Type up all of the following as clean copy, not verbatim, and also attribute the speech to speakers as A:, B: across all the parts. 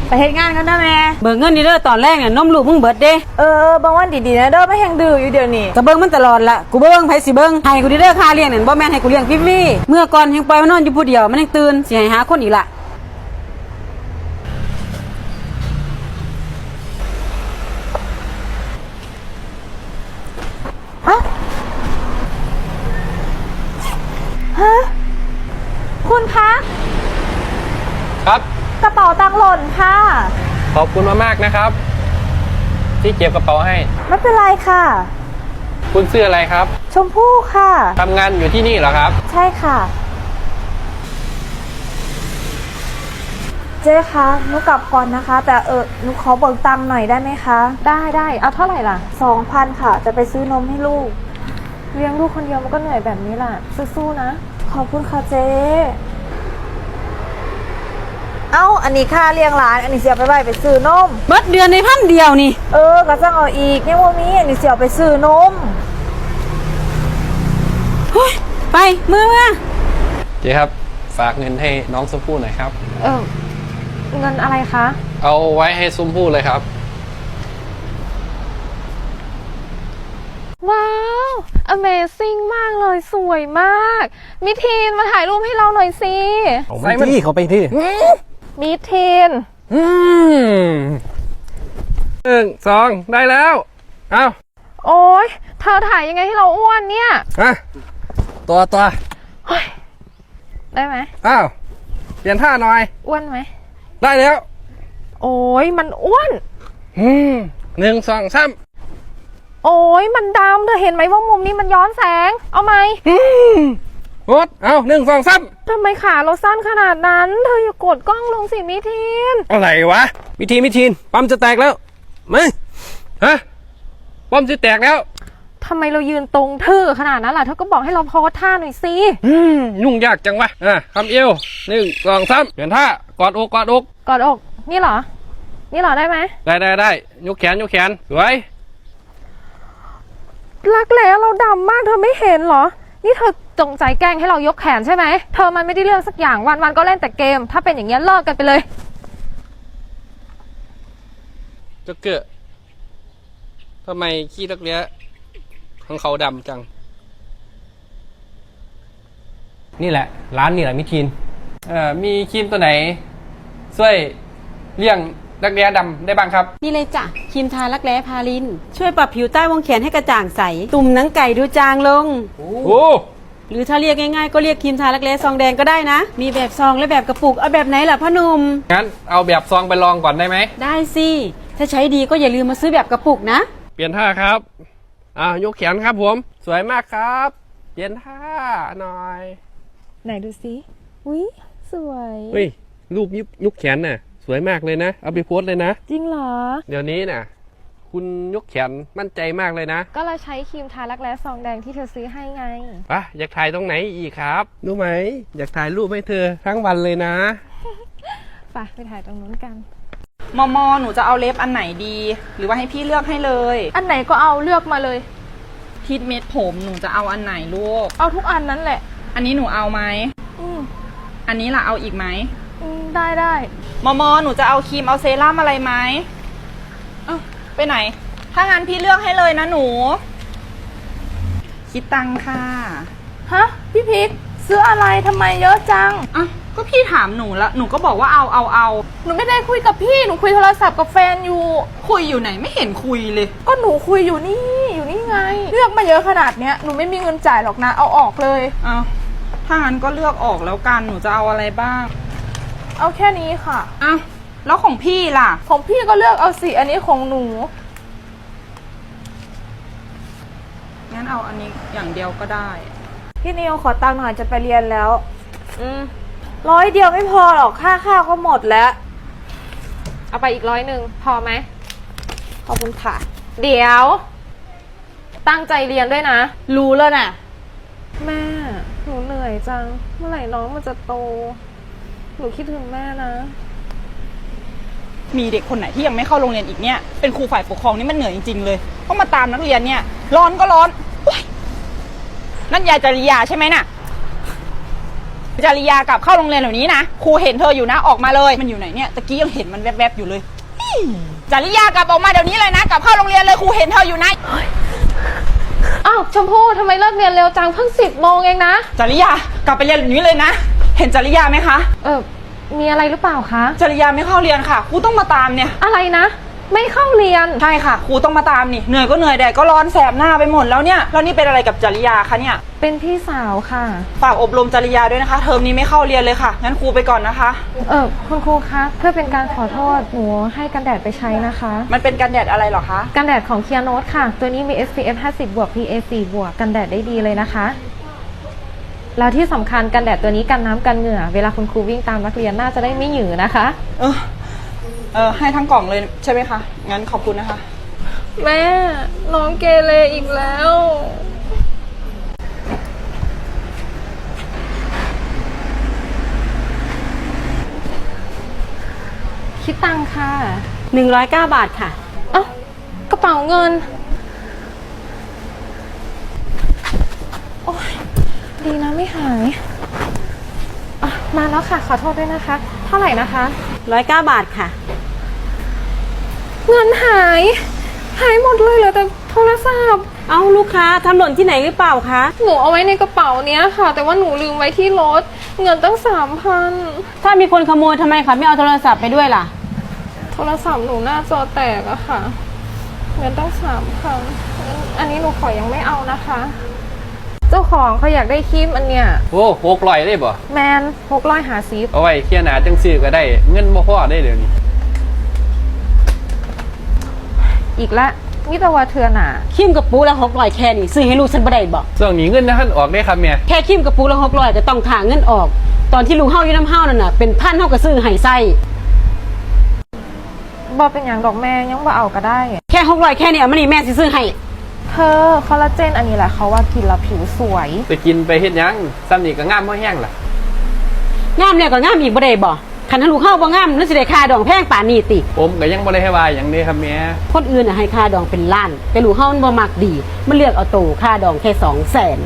A: ไปเฮ็ดงานกันนะแม่
B: เบิกเงินนี่เด้อตอนแรกเนี่ยนมลูกมึงเบิดเด้
A: บางวันดีๆนะเด้อไม่แห้งดื้ออยู่เดี๋ยวนี้
B: ก็เบิ่งมันตลอดละกูเบิ่งไผสิเบิ่งให้กูเด้อค่าเลี้ยงนั่นบ่แม่นให้กูเลี้ยงฟรีๆเมื่อก่อนยังปล่อยมันนอนอยู่ผู้เดียวมันยังตื่นสิให้หาคนอีกละ
A: ฮะคุณคะ
C: ครับ
A: กระเป๋าตังค์หล่นค่ะ
C: ขอบคุณมากๆนะครับ ที่เก็บกระเป๋าให้
A: ไม่เป็นไรค่ะ
C: คุณชื่ออะไรครับ
A: ชมพู่ค่ะ
C: ทำงานอยู่ที่นี่เหรอครับ
A: ใช่ค่ะเจ๊คะหนูกลับก่อนนะคะแต่หนูขอเบิกตังค์หน่อยได้ไหมคะได้เอาเท่าไหร่ล่ะ2,000ค่ะจะไปซื้อนมให้ลูกเลี้ยงลูกคนเดียวมันก็เหนื่อยแบบนี้แหละสู้ๆนะขอบคุณค่ะเจ๊อันนี้ค่าเลี้ยงหลานอันนี้เสียไปซื้อนม
B: เบิดเดือนใน1,000เดียวนี่
A: ก็ต้องเอาอีกเนี่ยว่ามีอันนี้เสียไปซื้อนม
B: ไปมือมา
C: เจ๊ครับฝากเงินให้น้องชมพู่หน่อยครับ
A: เงินอะไรคะ
C: เอาไว้ให้ชมพู่เลยครับ
A: ว้าว Amazing มากเลยสวยมากมิทีนมาถ่ายรูปให้เราหน่อยสิ
D: ไปที่เขาไปที่
A: มิทีน
C: 1 2ได้แล้วเอา
A: โอ๊ยเธอถ่ายยังไงให้เราอ้วนเนี่ย
D: ตัว
A: ได้ไหม
D: เปลี่ยนท่าหน่อย
A: อ้วนไหม
D: ได้แล้ว
A: โอ๊ยมันอ้วน
D: 1 2 3
A: โอ๊ยมันดำเธอเห็นไหมว่ามุมนี้มันย้อนแสงเอาไหม
D: กด1 2 3
A: ทำไมขาเราสั้นขนาดนั้นเธออย่ากดกล้องลงสิมิทีน
D: อะไรวะมิทีนปั๊มจะแตกแล้วไม่ปั๊มจะแตกแล้ว
A: ทำไมเรายืนตรงทื่อขนาดนั้นล่ะเธอก็บอกให้เราโพสท่าหน่อยสิ
D: ยุ่งยากจังวะคำเอว1 2 3เปลี่ยนท่ากอดอก
A: กอดอกนี่เหรอได้ไหม
D: ได้ยกแขนสวย
A: รักแร้เราดำมากเธอไม่เห็นเหรอนี่เธอจงใจแกล้งให้เรายกแขนใช่ไหมเธอมันไม่ได้เรื่องสักอย่างวันก็เล่นแต่เกมถ้าเป็นอย่างเงี้ยเลิกกันไปเลย
D: จะเกิดทำไมขี้รักแร้ของเขาดำจังนี่แหละร้านนี่แหละมิทีนมีครีมตัวไหนช่วยเลี่ยงรักแร้ดำได้บ้างครับ
B: นี่เลยจ้ะครีมทารักแร้พาลินช่วยปรับผิวใต้วงแขนให้กระจ่างใสตุ่มหนังไก่ดูจางลงหรือถ้าเรียกง่ายๆก็เรียกครีมทารักแร้ซองแดงก็ได้นะมีแบบซองและแบบกระปุกเอาแบบไหนล่ะพ่อหนุ่ม
D: งั้นเอาแบบซองไปลองก่อนได้ไหม
B: ได้สิถ้าใช้ดีก็อย่าลืมมาซื้อแบบกระปุกนะ
D: เปลี่ยนท่าครับยกแขนครับผมสวยมากครับเปลี่ยนท่าหน่อย
A: ไหนดูสิอุ๊ยสวย
D: รูปยกแขนน่ะสวยมากเลยนะเอาไปโพสเลยนะ
A: จริงเหรอ
D: เดี๋ยวนี้น่ะคุณยกแขนมั่นใจมากเลยนะ
A: ก็เราใช้ครีมทารักแร้ซองแดงที่เธอซื้อให้ไง
D: อยากถ่ายตรงไหนอีกครับรู้ไหมอยากถ่ายรูปให้เธอทั้งวันเลยนะ
A: ไปถ่ายตรงนู้นกัน
E: มอหนูจะเอาเล็บอันไหนดีหรือว่าให้พี่เลือกให้เลย
A: อันไหนก็เอาเลือกมาเลย
E: ทิทเม็ดผมหนูจะเอาอันไหนลูก
A: เอาทุกอันนั้นแหละ
E: อันนี้หนูเอาไหมอันนี้ล่ะเอาอีกไหม
A: ได้
E: มอหนูจะเอาครีมเอาเซรั่มอะไรไหมไปไหนถ้างั้นพี่เลือกให้เลยนะหนูคิดตังค่ะ
A: พี่พิกซื้ออะไรทำไมเยอะจัง
E: ก็พี่ถามหนูแล้วหนูก็บอกว่าเอา
A: หนูไม่ได้คุยกับพี่หนูคุยโทรศัพท์กับแฟนอยู่
E: คุยอยู่ไหนไม่เห็นคุยเลย
A: ก็หนูคุยอยู่นี่ไงเลือกมาเยอะขนาดเนี้ยหนูไม่มีเงินจ่ายหรอกนะเอาออกเลย
E: ถ้างั้นก็เลือกออกแล้วกันหนูจะเอาอะไรบ้าง
A: เอาแค่นี้ค่ะ
E: แล้วของพี่ล่ะ
A: ของพี่ก็เลือกเอาสิอันนี้ของหนู
E: งั้นเอาอันนี้อย่างเดียวก็ได้
A: พี่นิวขอตังค์หน่อยจะไปเรียนแล้ว100 เดียวไม่พอหรอกค่าข้าวก็หมดแล้วเอาไปอีก100พอไหมขอบคุณค่ะเดี๋ยวตั้งใจเรียนด้วยนะรู้แล้วน่ะแม่หนูเหนื่อยจังเมื่อไหร่น้องมันจะโตหนูคิดถึงแม่นะ
E: มีเด็กคนไหนที่ยังไม่เข้าโรงเรียนอีกเนี่ยเป็นครูฝ่ายปกครองนี่มันเหนื่อยจริงๆเลยต้องมาตามนักเรียนเนี่ยร้อนก็ร้อนนั่นยายจริยาใช่ไหมน่ะจริยากลับเข้าโรงเรียนเดี๋ยวนี้นะครูเห็นเธออยู่นะออกมาเลยมันอยู่ไหนเนี่ยตะกี้ยังเห็นมันแวบๆอยู่เลยจริยากลับออกมาเดี๋ยวนี้เลยนะกลับเข้าโรงเรียนเลยครูเห็นเธออยู่นะ
A: อ้าวชมพู่ทำไมเลิกเรียนเร็วจังเพิ่ง10 โมงเองนะ
E: จริยากลับไปเรียนแบบนี้เลยนะ เห็นจริยาไหมคะ
A: มีอะไรหรือเปล่าคะ
E: จริยาไม่เข้าเรียนค่ะครูต้องมาตามเนี่ย
A: อะไรนะ ไม่เข้าเรียน
E: ใช่ค่ะครูต้องมาตามนี่เหนื่อยก็เหนื่อยแดดก็ร้อนแสบหน้าไปหมดแล้วเนี่ยแล้วนี่เป็นอะไรกับจริยาคะเนี่ย
A: เป็นพี่สาวค่ะ
E: ฝากอบรมจริยาด้วยนะคะเทอมนี้ไม่เข้าเรียนเลยค่ะงั้นครูไปก่อนนะคะ
A: คุณครูคะเพื่อเป็นการขอโทษหนูให้กันแดดไปใช้นะคะ
E: มันเป็นกันแดดอะไรเหรอคะ
A: กันแดดของเคียโนตค่ะ ตัวนี้มี SPF 50 บวก PA 4 บวกกันแดดได้ดีเลยนะคะ แล้วที่สำคัญกันแดดตัวนี้กันน้ำกันเหงื่อ เวลาคุณครูวิ่งตามนักเรียนน่าจะได้ไม่หยือนะคะ
E: ให้ทั้งกล่องเลยใช่ไหมคะงั้นขอบคุณนะคะ
A: แม่น้องเกเรอีกแล้ว คิดตังค่ะ
B: 109 บาทค่ะ
A: เอ้ากระเป๋าเงิน โอ้ยดีนะไม่หายมาแล้วค่ะ ขอโทษด้วยนะคะ เท่าไหร่นะคะ
B: 109 บาทค่ะ
A: เงินหาย หายหมดเลยเหลือแต่โทรศัพท์
B: เอ้าลูกค้าทำหล่นที่ไหนหรือเปล่าคะ
A: หนูเอาไว้ในกระเป๋าเนี้ยค่ะ แต่ว่าหนูลืมไว้ที่รถ เงินตั้ง3,000
B: ถ้ามีคนขโมยทำไมคะไม่เอาโทรศัพท์ไปด้วยล่ะ
A: โทรศัพท์หนูหน้าจอแตกอะค่ะ เงินตั้ง3,000อันนี้หนูขอยังไม่เอานะคะ เจ้าของเขาอยากได้ครีมอันเนี้ย
D: โอ้600ได้บ่
A: แมน600หาซีฟ
D: เอาไว้เคลียร์หนาจังซื้อก็ได้เงินบ่พอได้เดี๋ยวนี้
A: อีกละมิตรวาเทือนอ่ะ
B: คิมกับปูละ600แค่นี้ซื้อให้ลูกฉันบ่ได้บอก
D: ช่วงนี้เงินท่านออกได้ครับแม่
B: แค่คิมกับปูละ600ก็ต้องถ่าเงินออก ตอนที่ลูกเฮาอยู่น้ำเฮานั่นน่ะเป็นพันเฮาก็ซื้อให้ไส้
A: บอเป็นอย่างดอกแม่ยังบ่เอาก็ได้
B: แค่600แค่นี้เอามานี่แม่สิซื้อให้
A: เธอคอลลาเจนอันนี้แหละเขาว่ากินแล้วผิวสวย
D: ไปกินไปเฮ็ดหยังซ้ำนี่ก็งามบ่แห้งล่ะ
B: งามแล้วก็งามอีกบ่ได้บ่คันถ้าลูกเฮาบ่งามแล้วสิได้ค่าดองแพงป่านนี้ติ
D: ผมก็ยังบ่ได้ให้ว่าหยังเด้ครับแม่
B: คนอื่นน่ะให้ค่าดองเป็นล้าน แต่ลูกเฮามันบ่มักดี มันเลือกเอาโตค่าดองแค่200,000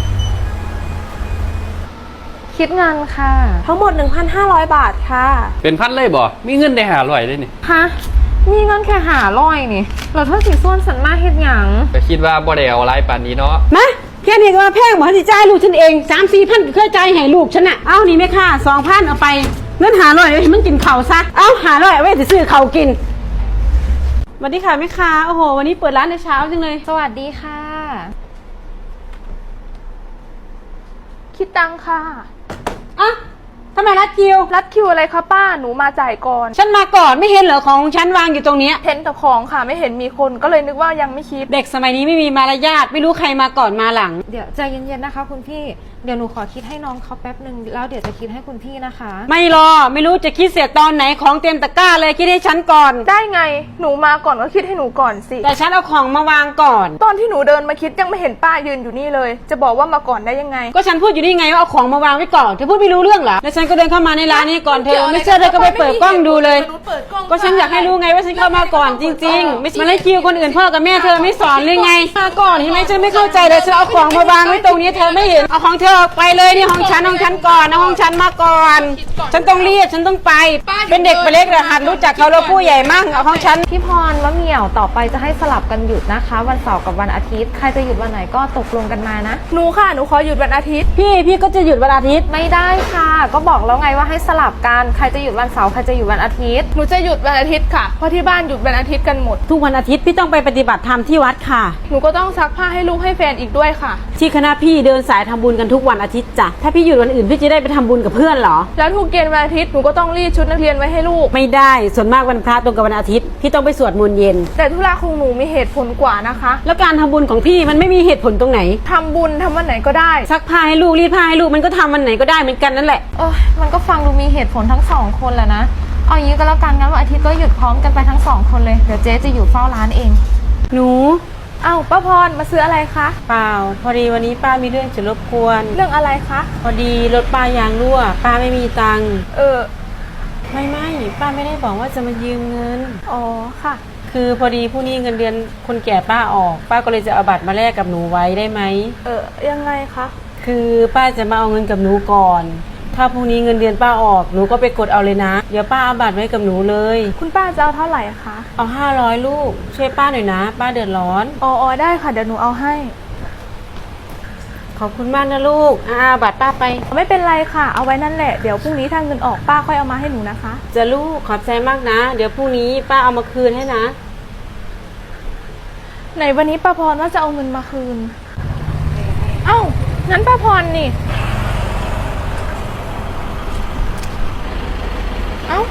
A: คิดเงินค่ะ ทั้งหมด 1,500 บาทค่ะ
D: เป็นพันเลยบ่มีเงินได้500ได้นี่
A: ฮะมีเงินแค่500นี่เราเท่าสีส่วนสันมาเฮ็ดหยัง
D: ก็คิดว่าบ่ได้เอาหลายปานนี้เนาะ
B: มาแค่นี้ก็มาแพงบ่สิจ่ายลูกฉันเอง 3-4,000ก็เคยจ่ายให้ลูกฉันน่ะเอานี่แม่ค่า 2,000 เอาไปเงิน500ไว้ให้มันกินข้าวซะเอา500เอาไว้สิซื้อข้าวกินสวัสดีค่ะแม่ค้าโอ้โหวันนี้เปิดร้านในเช้าจังเลย
A: สวัสดีค่ะ คิดตังค่ะ
B: อ่ะทำไมรัดคิว
A: รัดคิวอะไรคะป้าหนูมาจ่ายก่อน
B: ฉันมาก่อนไม่เห็นเหรอของฉันวางอยู่ตรงเนี้ย
A: เห็นแต่ของค่ะไม่เห็นมีคนก็เลยนึกว่ายังไม่คิด
B: เด็กสมัยนี้ไม่มีมารยาทไม่รู้ใครมาก่อนมาหลัง
A: เดี๋ยวใจเย็นๆนะคะคุณพี่เดี๋ยวหนูขอคิดให้น้องเขาแป๊บหนึ่งแล้วเดี๋ยวจะคิดให้คุณพี่นะคะ
B: ไม่รอไม่รู้จะคิดเสียตอนไหนของเต็มตะกร้าเลยคิดให้ฉันก่อน
A: ได้ไงหนูมาก่อนก็คิดให้หนูก่อนสิ
B: แต่ฉันเอาของมาวางก่อน
A: ตอนที่หนูเดินมาคิดยังไม่เห็นป้ายืนอยู่นี่เลย จะบอกว่ามาก่อนได้ยังไง
B: ก็ฉันพูดอยู่นี่ไงว่าเอาของมาวางไว้ก่อนเธอพูดไม่รู้เรื่องเหรอแล้วฉันก็เดินเข้ามาในร้านนี้ก่อนเธอไม่เชื่อเธอก็ไปเปิดกล้องดูเลย ก็ฉันอยากให้รู้ไงว่าฉันเข้ามาก่อนจริงๆ ไม่ใช่มาไล่คิวคนอื่นพ่อกับแม่เธอไม่สอนเลยไงมาก่อนเห็นไหมฉันไม่เข้าใจเลยฉันเอาของมาวางไว้ตรงนี้เธอไม่เห็นเอาของเธอออกไปเลยนี่ห้องฉันก่อนนะห้องฉันมาก่อน ฉันต้องเรียกฉันต้องไป เป็นเด็กไปเล็กแต่หัดรู้จักเขาแล้วผู้ใหญ่มั่งเอาของฉัน
A: พี่พรมะเหมี่ยวต่อไปจะให้สลับกันหยุดนะคะ วันเสาร์กับวันอาทิตย์ใครจะหยุดวันไหนก็ตกลงกันมานะหนูค่ะหนูขอหยุดวันอาทิตย์
B: พี่ก็จะหยุดวันอาทิตย์
A: ไม่ได้ค่ะ ก็บอกแล้วไงว่าให้สลับกันใครจะหยุดวันเสาร์ใครจะหยุดวันอาทิตย์หนูจะหยุดวันอาทิตย์ค่ะเพราะที่บ้านหยุดวันอาทิตย์กันหมด
B: ทุกวันอาทิตย์พี่ต้องไปปฏิบัติธรรมที่วัดค่ะ
A: หนูก็ต้องซักผ้าให้ลูกให้แฟนอีกด้วยค่ะ
B: ที่คณะพี่เดินสายทำบุญกันทุกวันอาทิตย์จ้ะถ้าพี่หยุดวันอื่นพี่จะได้ไปทำบุญกับเพื่อนเหรอ
A: แล้วทุกเย็นวันอาทิตย์หนูก็ต้องรีดชุดนักเรียนไว้ให้ลูก
B: ไม่ได้ส่วนมากวันพระตรงกับวันอาทิตย์พี่ต้องไปสวดมนต์เย็น
A: แต่ธุระของหนูมีเหตุผลกว่านะคะ
B: แล้วการทำบุญของพี่มันไม่มีเหตุผลตรงไหน
A: ทำบุญทำวันไหนก็ได้
B: ซักผ้าให้ลูกรีดผ้าให้ลูกมันก็ทำวันไหนก็ได้เหมือนกันนั่นแหละ
A: มันก็ฟังดูมีเหตุผลทั้งสองคนแหละนะเอาอย่างนี้ก็แล้วกันงั้นวันอาทิตย์ก็หยุดพร้อมกันไปทั้งสองคนเลยเดี๋ยวเจ๊จะอยู่เฝ้าร้านเอง
B: หนู
A: อ้าวป้าพรมาซื้ออะไรคะ
B: เปล่าพอดีวันนี้ป้ามีเรื่องจะรบกวน
A: เรื่องอะไรคะ
B: พอดีรถป้ายางรั่วป้าไม่มีตังค์
A: ไม่
B: ป้าไม่ได้บอกว่าจะมายืมเงิน
A: อ๋อค่ะ
B: คือพอดีผู้นี้เงินเดือนคนแก่ป้าออก ป้าก็เลยจะเอาบัตรมาแลกกับหนูไว้ได้ไหม
A: ยังไงคะ
B: คือป้าจะมาเอาเงินกับหนูก่อนถ้าพรุ่งนี้เงินเดือนป้าออกหนูก็ไปกดเอาเลยนะเดี๋ยวป้าเอาบัตรไว้กับหนูเลย
A: คุณป้าจะเอาเท่าไหร่คะ
B: เอา500ลูกช่วยป้าหน่อยนะป้าเดือดร้อน
A: อ๋อได้ค่ะเดี๋ยวหนูเอาให้
B: ขอบคุณมากนะลูกบัตรป้าไป
A: ไม่เป็นไรค่ะเอาไว้นั่นแหละเดี๋ยวพรุ่งนี้ถ้าเงินออกป้าค่อยเอามาให้หนูนะคะ
B: จะลูกขอบใจมากนะ เดี๋ยวพรุ่งนี้ป้าเอามาคืนให้นะ
A: ไหนวันนี้ป้าพรว่าจะเอาเงินมาคืน เอ้างั้นป้าพรนี่ เอ้า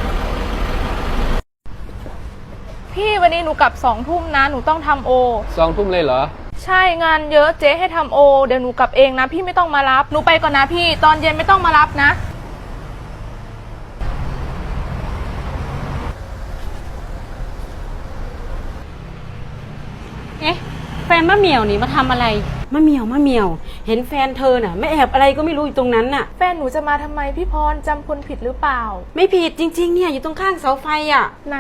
A: พี่วันนี้หนูกลับ2 ทุ่มนะหนูต้องทำโอ
D: 2 ทุ่มเลยเหรอ
A: ใช่งานเยอะเจ๊ให้ทำโอเดี๋ยวหนูกลับเองนะพี่ไม่ต้องมารับหนูไปก่อนนะพี่ตอนเย็นไม่ต้องมารับนะ
B: เอ๊ะแฟนมะเหมี่ยวนี่มาทำอะไรมะเหมี่ยวเห็นแฟนเธอน่ะไม่แอบอะไรก็ไม่รู้อยู่ตรงนั้นน่ะ
A: แฟนหนูจะมาทำไมพี่พรจำคนผิดหรือเปล่า
B: ไม่ผิดจริงๆเนี่ยอยู่ตรงข้างเสาไฟอ่ะ
A: ไหน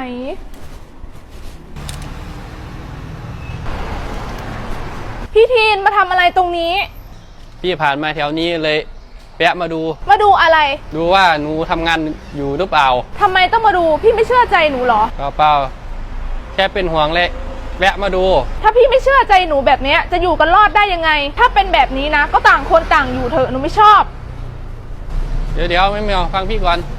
A: พี่ทีนมาทำอะไรตรงนี้
D: พี่ผ่านมาแถวนี้เลยแวะมาดู
A: มาดูอะไร
D: ดูว่าหนูทำงานอยู่หรือเปล่า
A: ทำไมต้องมาดูพี่ไม่เชื่อใจหนูเหรอ
D: เปล่าแค่เป็นห่วงเลยแวะมาดู
A: ถ้าพี่ไม่เชื่อใจหนูแบบเนี้ยจะอยู่กันรอดได้ยังไง ถ้าเป็นแบบนี้นะ ก็ต่างคนต่างอยู่เถอะหนูไม่ชอบ
D: เดี๋ยวไม่เอาฟังพี่ก่อน